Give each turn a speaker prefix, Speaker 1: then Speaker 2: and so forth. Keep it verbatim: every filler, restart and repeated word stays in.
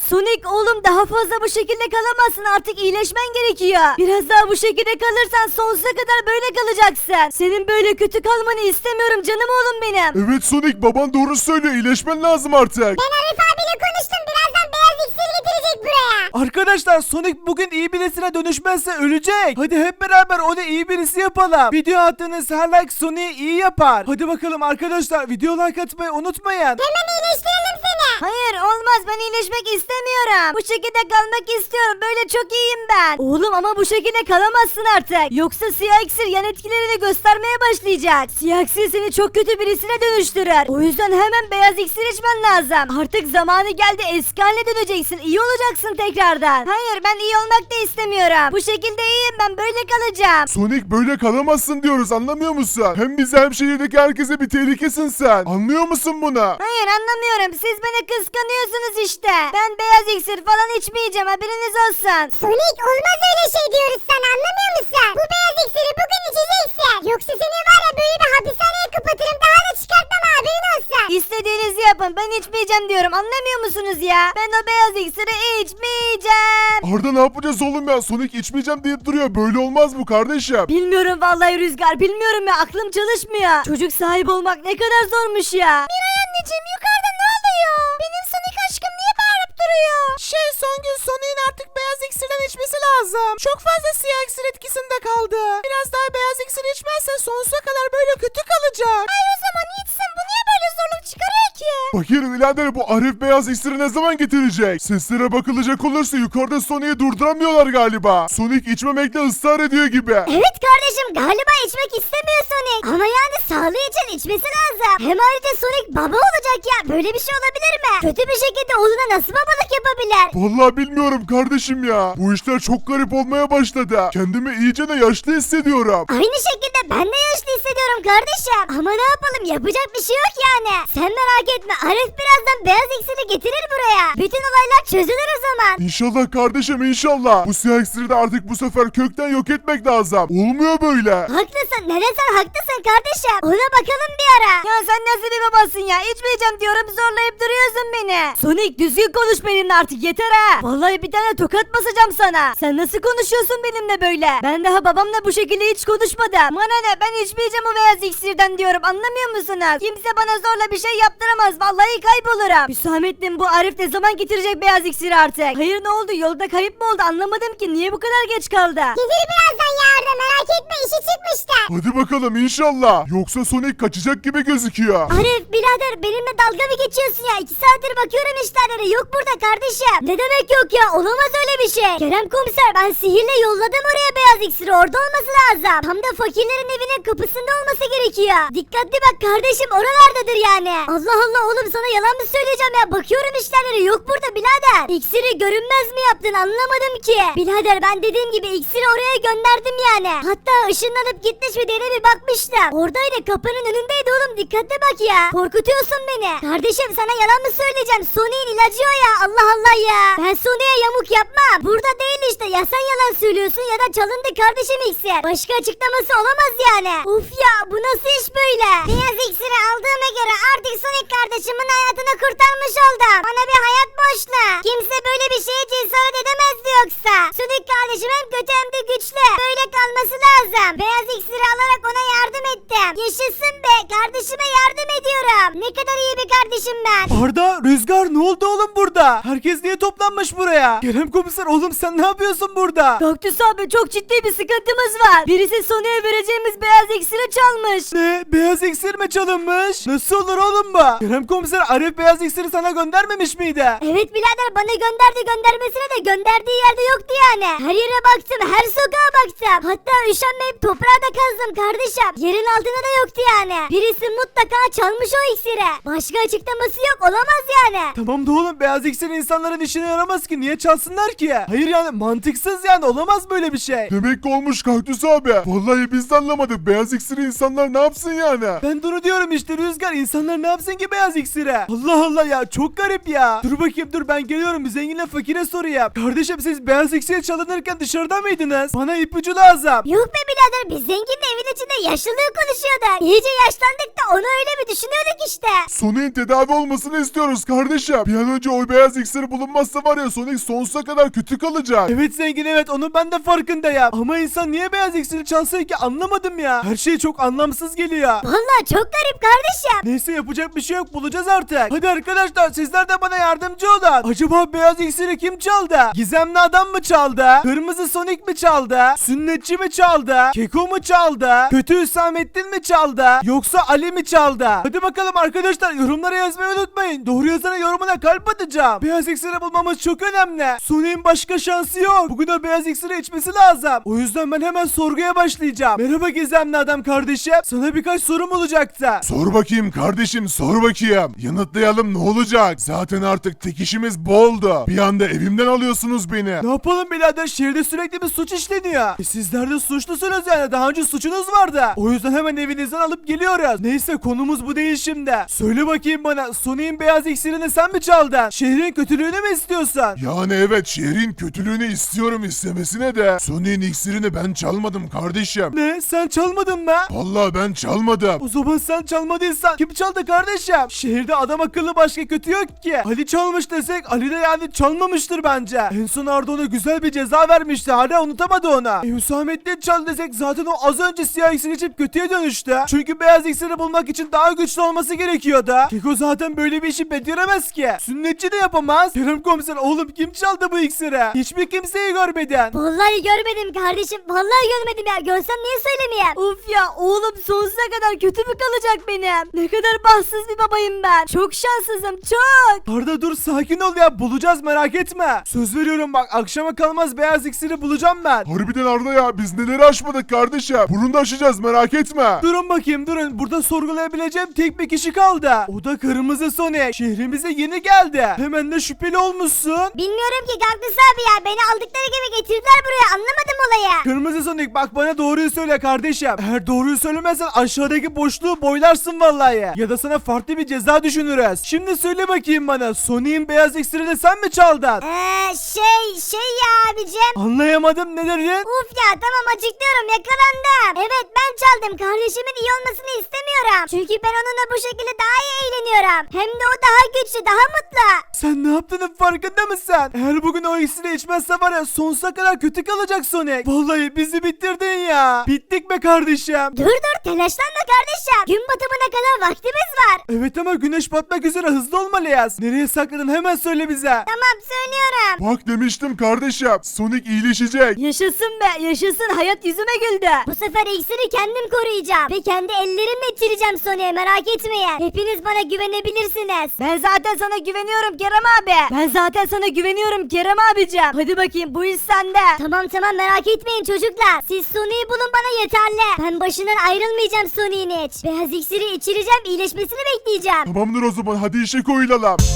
Speaker 1: Sonic oğlum daha fazla bu şekilde kalamazsın, artık iyileşmen gerekiyor. Biraz daha bu şekilde kalırsan sonsuza kadar böyle kalacaksın. Senin böyle kötü kalmanı istemiyorum canım oğlum benim.
Speaker 2: Evet Sonic, baban doğru söylüyor, iyileşmen lazım artık.
Speaker 3: Ben Arif abiyle konuştum. Birazdan beyaz iksir getirecek buraya.
Speaker 4: Arkadaşlar Sonic bugün iyi birisine dönüşmezse ölecek. Hadi hep beraber onu iyi birisi yapalım. Video attığınız her like Sonic'i iyi yapar. Hadi bakalım arkadaşlar, video like atmayı unutmayın.
Speaker 3: Hemen iyileştirelim seni.
Speaker 1: Hayır olmaz, ben iyileşmek istemiyorum. Bu şekilde kalmak istiyorum, böyle çok iyiyim ben. Oğlum ama bu şekilde kalamazsın artık. Yoksa siyah iksir yan etkilerini göstermeye başlayacak. Siyah iksir seni çok kötü birisine dönüştürür. O yüzden hemen beyaz iksir içmen lazım. Artık zamanı geldi, eski haline döneceksin. İyi olacaksın tekrardan. Hayır ben iyi olmak da istemiyorum. Bu şekilde iyiyim ben, böyle kalacağım.
Speaker 2: Sonic, böyle kalamazsın diyoruz, anlamıyor musun? Hem bize hem şehirdeki herkese bir tehlikesin sen. Anlıyor musun bunu?
Speaker 1: Hayır anlamıyorum, siz beni kıskanıyorsunuz işte. Ben beyaz iksir falan içmeyeceğim, haberiniz olsun.
Speaker 3: Sonic olmaz öyle şey diyoruz sana, anlamıyor musun? Bu beyaz iksiri bugün içeceksin. Yoksa seni var ya böyle bir hapishaneye kapatırım, daha da çıkartmam, haberin olsun.
Speaker 1: İstediğinizi yapın, ben içmeyeceğim diyorum, anlamıyor musunuz ya? Ben o beyaz iksiri içmeyeceğim.
Speaker 2: Arda ne yapacağız oğlum ya? Sonic içmeyeceğim deyip duruyor. Böyle olmaz bu kardeşim.
Speaker 1: Bilmiyorum vallahi Rüzgar, bilmiyorum ya, aklım çalışmıyor. Çocuk sahibi olmak ne kadar zormuş ya. Miray anneciğim, yukarıda ne oluyor? Benim Sonic aşkım niye bağırıp duruyor?
Speaker 4: Şey Songül, Sonic'in artık beyaz iksirden içmesi lazım. Çok fazla siyah iksir etkisinde kaldı. Biraz daha beyaz iksir içmezse sonsuza kadar böyle kötü kalacak.
Speaker 1: Hayır o zaman içsin, bu niye böyle zorluk çıkarıyor ki?
Speaker 2: Fakir birader, bu Arif beyaz iksiri ne zaman getirecek? Seslere bakılacak olursa yukarıda Sonic'i durduramıyorlar galiba. Sonic içmemekle ısrar ediyor gibi.
Speaker 3: Evet kardeşim, galiba içmek istemiyor Sonic. Ama yani sağlığı için içmesi lazım. Hem ayrıca Sonic baba olacak ya, böyle bir şey olabilir mi? Kötü bir şekilde oğluna nasıl babalık yapabilir?
Speaker 2: Vallahi bilmiyorum kardeşim ya. Bu işler çok garip olmaya başladı. Kendimi iyice de yaşlı hissediyorum.
Speaker 3: Aynı şekilde ben de yaşlı hissediyorum kardeşim. Ama ne yapalım, yapacak bir şey yok yani. Sen merak etme, Arif birazdan beyaz iksiri getirir buraya. Bütün olaylar çözülür o zaman.
Speaker 2: İnşallah kardeşim, inşallah. Bu siyah iksiri de artık bu sefer kökten yok etmek lazım. Olmuyor böyle.
Speaker 3: Haklısın, neden sen haklısın kardeşim. Ona bakalım bir ara.
Speaker 1: Ya sen nasıl bir babasın ya? İçmeyeceğim diyorum, zorlayıp duruyorsun beni. Sonic düzgün konuş benimle artık, yeter ha. Vallahi bir tane tokat basacağım sana. Sen nasıl konuşuyorsun benimle böyle? Ben daha babamla bu şekilde hiç konuşmadım. Bana ne, ben içmeyeceğim o beyaz iksirden diyorum, anlamıyor musunuz? Kimse bana zorla bir şey yaptıramaz, vallahi kaybolurum. Hüsamettin, bu Arif ne zaman getirecek beyaz iksiri artık? Hayır ne oldu, yolda kayıp mı oldu, anlamadım ki, niye bu kadar geç kaldı?
Speaker 3: Gelir birazdan yardım, merak etme, işi çıkmıştı.
Speaker 2: Hadi bakalım inşallah. Yoksa Sonic kaçacak gibi gözüküyor.
Speaker 3: Arif birader, benimle dalga mı geçiyorsun ya? İki saattir bakıyorum işlerlere, yok burada kardeşim. Ne demek yok ya, olamaz öyle bir şey. Kerem komiser, ben sihirle yolladım oraya beyaz iksiri, orada olması lazım. Tam da fakirlerin evinin kapısında olması gerekiyor. Dikkatli bak kardeşim, oralardadır yani. Allah Allah oğlum, sana yalan mı söyleyeceğim ya? Bakıyorum işlerlere, yok burada birader. İksiri görünmez mi yaptın, anlamadım ki. Birader ben dediğim gibi iksiri oraya gönderdim yani. Hatta ışınlanıp gitmiş mi diye bir bakmıştım. Oradaydı, kapının önündeydi oğlum, dikkatli bak ya. Korkutuyorsun beni. Kardeşim sana yalan mı söyleyeceğim? Sony'in ilacı o ya, Allah Allah ya. Ben Sony'e yamuk yapmam. Burada değil işte, ya sen yalan söylüyorsun ya da çalındı kardeşim iksir. Başka açıklaması olamaz yani. Uf ya, bu nasıl iş böyle? Beyaz iksiri aldığıma göre artık Sonic kardeşimin hayatını kurtarmış oldum. Bana bir hayat borçlu. Kimse böyle bir şeye cesaret edemezdi yoksa. Sonic kardeşim hem kötü hem de güçlü. Böyle kalması lazım. Beyaz iksiri alarak ona yardım ettim. Yaşasın be, kardeşime yardım ediyorum. Ne kadar iyi bir kardeşim ben.
Speaker 4: Arda, Rüzgar, ne oldu oğlum burada? Herkes niye toplanmış buraya? Kerem komiser, oğlum sen ne yapıyorsun burada?
Speaker 1: Kaktüs abi, çok ciddi bir sıkıntımız var. Birisi Sonic'e vereceğimiz beyaz iksiri çalmış.
Speaker 4: Ne? Beyaz iksir mi çalınmış? Nasıl olur oğlum bu? Kerem komiser, Arif beyaz iksiri sana göndermemiş miydi?
Speaker 3: Evet birader, bana gönderdi, göndermesine de gönderdiği yerde yoktu yani. Her yere baktım, her sokağa baktım. Hatta üşenmeyip toprağa da kazdım kardeşim. Yerin altında da yoktu yani. Birisi mutlaka çalmış o iksiri. Başka açıklaması yok, olamaz yani.
Speaker 4: Tamam da oğlum, beyaz iksir insanların işine yaramaz ki. Niye çalsınlar ki? Hayır yani, mantıksız yani, olamaz böyle bir şey.
Speaker 2: Demek ki olmuş Kaktüs abi. Vallahi biz de anlamadık. Beyaz iksiri insanlar ne yapsın yani?
Speaker 4: Ben de onu diyorum işte Rüzgar, insanlar ne yapsın ki beyaz iksire? Allah Allah ya, çok garip ya. Dur bakayım, dur ben geliyorum, bir zenginle fakire sorayım. Kardeşim, siz beyaz iksir çalınırken dışarıda mıydınız? Bana ipucu lazım.
Speaker 3: Yok be birader, biz zenginle evin içinde yaşlılığı konuşuyorduk. İyice yaşlandık da onu öyle mi düşünüyorduk işte.
Speaker 2: Sonic'in tedavi olmasını istiyoruz kardeşim. Bir an önce o beyaz iksiri bulunmazsa içmezse var ya Sonic sonsuza kadar kötü kalacak.
Speaker 4: Evet zengin, evet onu ben de farkındayım. Ama insan niye beyaz iksiri çalsın ki, anlamadım ya. Her şey çok anlamsız geliyor.
Speaker 3: Vallahi çok garip kardeşim.
Speaker 4: Neyse yapacak bir şey yok, bulacağız artık. Hadi arkadaşlar sizler de bana yardımcı olun. Acaba beyaz iksiri kim çaldı? Gizemli adam mı çaldı? Kırmızı Sonic mi çaldı? Sünnetçi mi çaldı? Keko mu çaldı? Kötü Hüsamettin mi çaldı? Yoksa Ali mi çaldı? Hadi bakalım arkadaşlar, yorumlara yazmayı unutmayın. Doğru yazana yorumuna kalp atacağım. Beyaz iksiri bulmamız çok önemli. Sonic'in başka şansı yok. Bugün o beyaz iksiri içmesi lazım. O yüzden ben hemen sorguya başlayacağım. Merhaba gizemli adam kardeşim. Sana birkaç sorum olacaktı.
Speaker 2: Sor bakayım kardeşim, sor bakayım. Yanıtlayalım, ne olacak? Zaten artık tek işimiz boldu. Bir anda evimden alıyorsunuz beni.
Speaker 4: Ne yapalım birader, şehirde sürekli bir suç işleniyor. E sizler de suçlusunuz yani, daha önce suçunuz vardı. O yüzden hemen evinizden alıp geliyoruz. Neyse konumuz bu değil şimdi. Söyle bakayım bana, Sonic'in beyaz iksirini sen mi çaldın? Şehrin kötülüğünü mü istiyorsun?
Speaker 2: Yani evet, şehrin kötülüğünü istiyorum, istemesine de Sonic'in iksirini ben çalmadım kardeşim.
Speaker 4: Ne, sen çalmadın mı?
Speaker 2: Vallahi ben çalmadım.
Speaker 4: O zaman sen çalmadıysan kim çaldı kardeşim? Şehirde adam akıllı başka kötü yok ki. Ali çalmış desek Ali de yani çalmamıştır bence. En son Arda ona güzel bir ceza vermişti. Hala unutamadı ona. E, Hüsamettin çaldı desek zaten o az önce siyah iksir içip kötüye dönüştü. Çünkü beyaz iksiri bulmak için daha güçlü olması gerekiyordu. Keko zaten böyle bir işi beceremez ki. Sünnetçi de yapamaz. Kerem komiser, oğlum kim çaldı bu iksiri? Hiçbir kimseyi görmedin.
Speaker 3: Vallahi görmedim kardeşim. Vallahi görmedim ya. Görsem niye söylemeyeyim?
Speaker 1: Uf ya, oğlum sonsuza kadar kötü mü kalacak benim? Ne kadar bahtsız bir babayım ben. Çok şanssızım, çok.
Speaker 4: Arda dur, sakin ol ya, bulacağız merak etme. Söz veriyorum bak, akşama kalmaz beyaz iksiri bulacağım ben.
Speaker 2: Harbiden Arda ya, biz neleri aşmadık kardeşim. Bunu da aşacağız, merak etme.
Speaker 4: Durun bakayım durun, burada sorgulayabileceğim tek bir kişi kaldı. O da Kırmızı Sonic. Şehrimize yeni geldi. Hemen de şüpheli olmuşsun.
Speaker 3: Bilmiyorum ki Gaklus abi ya. Beni aldıkları gibi getirdiler buraya. Anlamadım olayı.
Speaker 4: Kırmızı Sonic bak, bana doğruyu söyle kardeşim. Eğer doğruyu söylemezsen aşağıdaki boşluğu boylarsın vallahi. Ya da sana farklı bir ceza düşünürüz. Şimdi söyle bakayım bana, Sonic'in beyaz iksirini sen mi çaldın?
Speaker 3: Eee şey şey ya abicim.
Speaker 4: Anlayamadım, ne dedin?
Speaker 3: Uf ya tamam açıklıyorum, yakalandım. Evet ben çaldım. Kardeşimin iyi olmasını istemiyorum. Çünkü ben onunla bu şekilde daha iyi eğleniyorum. Hem de o daha güçlü, daha mutlu.
Speaker 4: Sen ne yaptığının farkında mısın? Eğer bugün o iksiri içmezse var ya, sonsuza kadar kötü kalacak Sonic. Vallahi bizi bitirdin ya. Bittik be kardeşim.
Speaker 3: Dur dur telaşlanma kardeşim. Gün batımına kadar vaktimiz var.
Speaker 4: Evet ama güneş batmak üzere, hızlı olmalıyız. Nereye sakladın, hemen söyle bize.
Speaker 3: Tamam söylüyorum.
Speaker 2: Bak demiştim kardeşim, Sonic iyileşecek.
Speaker 1: Yaşasın be, yaşasın, hayat yüzüme güldü.
Speaker 3: Bu sefer iksiri kendim koruyacağım. Ve kendi ellerimle içireceğim Sonic'e, merak etmeyin. Hepiniz bana güvenebilirsiniz.
Speaker 1: Ben zaten sana güveniyorum Kerem abi. Ben zaten sana güveniyorum Kerem abicim. Hadi bakayım, bu iş sende.
Speaker 3: Tamam tamam merak etmeyin çocuklar. Siz Sonic'i bulun bana yeterli. Ben başından ayrılmayacağım Sonic'in hiç. Beyaz iksiri içireceğim, iyileşmesini bekleyeceğim.
Speaker 2: Tamamdır o zaman, hadi işe koyulalım.